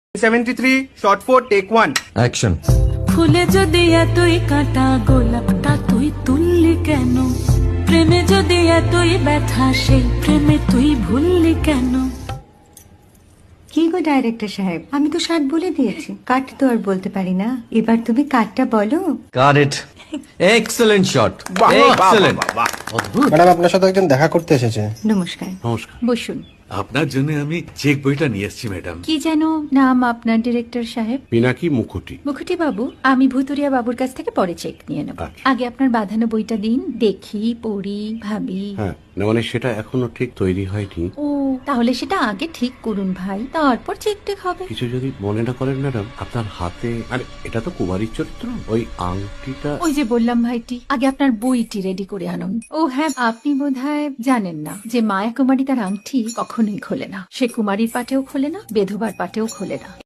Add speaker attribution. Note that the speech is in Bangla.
Speaker 1: 73 shot 4 take 1
Speaker 2: অ্যাকশন।
Speaker 3: ফুলে যদি এতই কাঁটা গোলাপটা তুই তুললি কেন? প্রেমে যদি এতই ব্যথা সেই প্রেমে তুই ভুললি কেন?
Speaker 4: কি গো ডাইরেক্টর সাহেব, আমি তো 60 বলে দিয়েছি, কাট তো আর বলতে পারি না। এবার তুমি কাটটা বলো।
Speaker 2: Got it. এক্সেলেন্ট শট,
Speaker 1: বাহ, বাহ, বাহ,
Speaker 2: এক্সেলেন্ট।
Speaker 1: বাহ, বাহ।
Speaker 5: ম্যাডাম আপনার সাথে একজন দেখা করতে এসেছে।
Speaker 4: নমস্কার,
Speaker 6: নমস্কার।
Speaker 4: বসুন।
Speaker 6: আপনার জন্য আমি চেক বইটা নিয়ে এসেছি ম্যাডাম।
Speaker 4: কি যেন নাম আপনার ডিরেক্টর সাহেব?
Speaker 6: পিনাকি মুখোটি।
Speaker 4: মুখুটি বাবু, আমি ভুতুরিয়া বাবুর কাছ থেকে পরে চেক নিয়ে নেব।
Speaker 6: আচ্ছা।
Speaker 4: আগে আপনার বাঁধানো বইটা দিন, দেখি, পড়ি, ভাবি।
Speaker 6: হ্যাঁ, না মানে সেটা এখনো ঠিক তৈরি হয়নি।
Speaker 4: ও, তাহলে সেটা আগে ঠিক করুন ভাই, তারপর চেক টেক হবে।
Speaker 6: কিছু যদি মনে না করেন ম্যাডাম, আপনার হাতে, আরে এটা তো কুমারীর চরিত্র, ওই আংটিটা।
Speaker 4: ওই যে বললাম ভাইটি, আগে আপনার বইটি রেডি করে আনুন। ও হ্যাঁ, আপনি বোধহয় জানেন না যে মায়া কুমারী তার আংটি কখনোই খোলে না। সে কুমারীর পাটেও খোলে না, বেধবার পাটেও খোলে না।